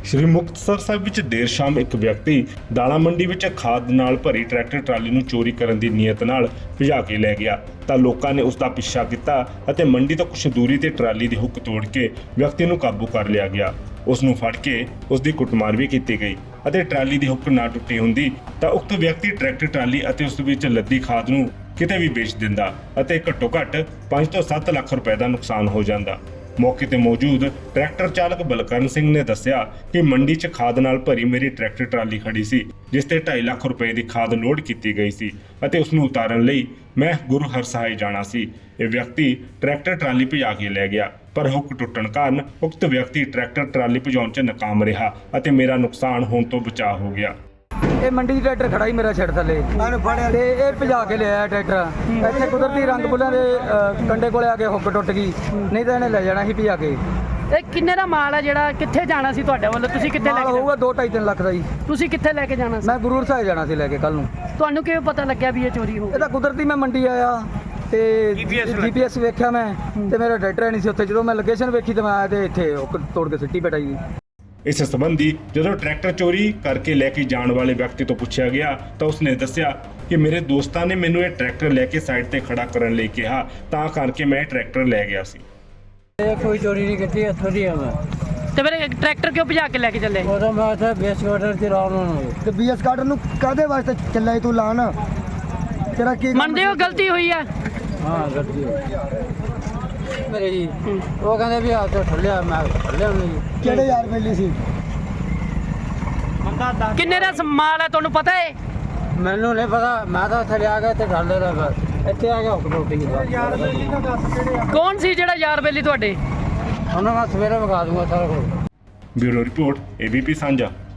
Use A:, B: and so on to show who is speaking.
A: ਸ਼੍ਰੀ ਮੁਕਤਸਰ ਸਾਹਿਬ ਵਿੱਚ ਦੇਰ ਸ਼ਾਮ ਇੱਕ ਵਿਅਕਤੀ ਦਾਣਾ ਮੰਡੀ ਵਿੱਚ ਖਾਦ ਨਾਲ ਭਰੀ ਟਰੈਕਟਰ ਟਰਾਲੀ ਨੂੰ ਚੋਰੀ ਕਰਨ ਦੀ ਨੀਅਤ ਨਾਲ ਭਜਾ ਕੇ ਲੈ ਗਿਆ ਤਾਂ ਲੋਕਾਂ ਨੇ ਉਸ ਦਾ ਪਿੱਛਾ ਕੀਤਾ ਅਤੇ ਮੰਡੀ ਤੋਂ ਕੁਝ ਦੂਰੀ ਤੇ ਟਰਾਲੀ ਦੀ ਹੁੱਕ ਤੋੜ ਕੇ ਵਿਅਕਤੀ ਨੂੰ ਕਾਬੂ ਕਰ ਲਿਆ ਗਿਆ। ਉਸ ਨੂੰ ਫੜ ਕੇ ਉਸ ਦੀ ਕੁੱਟਮਾਰ ਵੀ ਕੀਤੀ ਗਈ ਅਤੇ ਟਰਾਲੀ ਦੀ ਹੁੱਕ ਨਾ ਟੁੱਟੀ ਹੁੰਦੀ ਤਾਂ ਉਕਤ ਵਿਅਕਤੀ ਟਰੈਕਟਰ ਟਰਾਲੀ ਅਤੇ ਉਸ ਵਿੱਚ ਲੱਦੀ ਖਾਦ ਨੂੰ ਕਿਤੇ ਵੀ ਵੇਚ ਦਿੰਦਾ ਅਤੇ ਘੱਟੋ ਘੱਟ 5 ਤੋਂ 7 ਲੱਖ ਰੁਪਏ ਦਾ ਨੁਕਸਾਨ ਹੋ ਜਾਂਦਾ। ਮੌਕੇ ਤੇ ਮੌਜੂਦ ਟਰੈਕਟਰ ਚਾਲਕ ਬਲਕਰਨ ਸਿੰਘ ਨੇ ਦੱਸਿਆ ਕਿ ਮੰਡੀ 'ਚ ਖਾਦ ਨਾਲ ਭਰੀ ਮੇਰੀ ਟਰੈਕਟਰ ਟਰਾਲੀ ਖੜੀ ਸੀ ਜਿਸ ਤੇ 2.5 ਲੱਖ ਰੁਪਏ ਦੀ ਖਾਦ ਲੋਡ ਕੀਤੀ ਗਈ ਸੀ ਅਤੇ ਉਸ ਨੂੰ ਉਤਾਰਨ ਲਈ ਮੈਂ ਗੁਰੂ ਹਰਸਹਾਏ ਜਾਣਾ ਸੀ। ਇਹ ਵਿਅਕਤੀ ਟਰੈਕਟਰ ਟਰਾਲੀ ਭਜਾ ਕੇ ਲੈ ਗਿਆ ਪਰ ਹੁੱਕ ਟੁੱਟਣ ਕਾਰਨ ਉਕਤ ਵਿਅਕਤੀ ਟਰੈਕਟਰ ਟਰਾਲੀ ਭਜਾਉਣ 'ਚ ਨਾਕਾਮ ਰਿਹਾ ਅਤੇ ਮੇਰਾ ਨੁਕਸਾਨ ਹੋਣ ਤੋਂ ਬਚਾਅ ਹੋ ਗਿਆ।
B: ਇਹ ਮੰਡੀ ਦੀ ਟਰੈਕਟਰ ਖੜਾ ਹੀ ਮੇਰਾ ਛੱਡ ਥੱਲੇ ਤੇ ਇਹ ਭਜਾ ਕੇ ਲਿਆਇਆ ਟਰੈਕਟਰ। ਇੱਥੇ ਕੁਦਰਤੀ ਰੰਗ ਬੁੱਲਾਂ ਦੇ ਕੰਡੇ ਕੋਲੇ ਆ ਕੇ ਹੁੱਕ ਟੁੱਟ ਗਈ, ਨਹੀਂ ਤਾਂ ਇਹਨੇ ਲੈ ਜਾਣਾ ਸੀ ਭਜਾ ਕੇ।
C: ਇਹ ਕਿੰਨੇ ਦਾ ਮਾਲ ਹੈ ਜਿਹੜਾ ਕਿੱਥੇ ਜਾਣਾ ਸੀ ਤੁਹਾਡੇ ਵੱਲੋਂ? ਤੁਸੀਂ ਕਿੱਥੇ ਲੈ ਕੇ
B: ਹੋਊਗਾ 2-2.5-3 ਲੱਖ ਦਾ ਜੀ।
C: ਤੁਸੀਂ ਕਿੱਥੇ ਲੈ ਕੇ ਜਾਣਾ ਸੀ?
B: ਮੈਂ ਗੁਰੂ ਸਾਹਿਬ ਜਾਣਾ ਸੀ ਲੈ ਕੇ ਕੱਲ ਨੂੰ।
C: ਤੁਹਾਨੂੰ ਕਿਵੇਂ ਪਤਾ ਲੱਗਿਆ ਵੀ ਇਹ ਚੋਰੀ ਹੋ
B: ਇਹ ਤਾਂ ਕੁਦਰਤੀ ਮੈਂ ਮੰਡੀ ਆਇਆ ਤੇ GPS ਵੇਖਿਆ ਮੈਂ ਤੇ ਮੇਰਾ ਟਰੈਕਟਰ ਨਹੀਂ ਸੀ ਉੱਥੇ। ਜਦੋਂ ਮੈਂ ਲੋਕੇਸ਼ਨ ਵੇਖੀ ਤੇ ਮੈਂ ਆਇਆ ਤੇ ਇੱਥੇ ਹੁੱਕ ਤੋੜ ਕੇ ਸਿੱਟੀ ਬੈਠਾ ਜੀ।
A: ਇਸ ਸੰਬੰਧੀ ਜਦੋਂ ਟਰੈਕਟਰ ਚੋਰੀ ਕਰਕੇ ਲੈ ਕੇ ਜਾਣ ਵਾਲੇ ਵਿਅਕਤੀ ਤੋਂ ਪੁੱਛਿਆ ਗਿਆ ਤਾਂ ਉਸਨੇ ਦੱਸਿਆ ਕਿ ਮੇਰੇ ਦੋਸਤਾਂ ਨੇ ਮੈਨੂੰ ਇਹ ਟਰੈਕਟਰ ਲੈ ਕੇ ਸਾਈਡ ਤੇ ਖੜਾ ਕਰਨ ਲਈ ਕਿਹਾ ਤਾਂ ਕਰਕੇ ਮੈਂ ਟਰੈਕਟਰ ਲੈ ਗਿਆ ਸੀ।
D: ਇਹ ਕੋਈ ਚੋਰੀ ਨਹੀਂ ਕੀਤੀ, ਇੱਥੋਂ ਦੀ ਆ ਮੈਂ।
C: ਤੇ ਫਿਰ ਟਰੈਕਟਰ ਕਿਉਂ ਭਜਾ ਕੇ ਲੈ ਕੇ ਚੱਲੇ?
D: ਉਦੋਂ ਮੈਂ ਇੱਥੇ ਬੇਸ ਕਾਰਡਰ ਚ ਆਰਾਮ ਨਾਲ ਹੋਏ।
E: ਤੇ BS ਕਾਰਡਰ ਨੂੰ ਕਾਹਦੇ ਵਾਸਤੇ ਚੱਲਿਆ ਤੂੰ ਲਾਣ? ਤੇਰਾ ਕੀ
C: ਮੰਨਦੇ ਹੋ ਗਲਤੀ ਹੋਈ ਹੈ?
D: ਹਾਂ ਗਲਤੀ ਮੇਰੇ ਜੀ। ਉਹ ਕਹਿੰਦੇ ਵੀ ਹੱਥ ਠੱਲਿਆ, ਮੈਂ ਠੱਲਿਆ ਉਹਨੇ ਜੀ।
E: ਕਿਹੜੇ ਯਾਰ ਵੇਲੀ ਸੀ?
C: ਕਿੰਨੇ ਦਾ ਮਾਲ ਹੈ ਤੁਹਾਨੂੰ ਪਤਾ ਹੈ?
D: ਮੈਨੂੰ ਨਹੀਂ ਪਤਾ, ਮੈਂ ਤਾਂ ਇੱਥੇ ਲਿਆ ਗਿਆ ਤੇ ਠੱਲੇ ਦਾ ਬਸ ਇੱਥੇ ਆ ਗਿਆ ਹੁੱਕ ਟੁੱਟ ਗਈ।
C: ਕੌਣ ਸੀ ਜਿਹੜਾ ਯਾਰ ਬੇਲੀ ਤੁਹਾਡੇ?
D: ਉਹਨਾਂ ਮੈਂ ਸਵੇਰੇ ਵਿਖਾ ਦੂੰਗਾ ਸਾਰਾ ਕੁਝ।
A: ਬਿਊਰੋ ਰਿਪੋਰਟ ABP ਸਾਂਝਾ।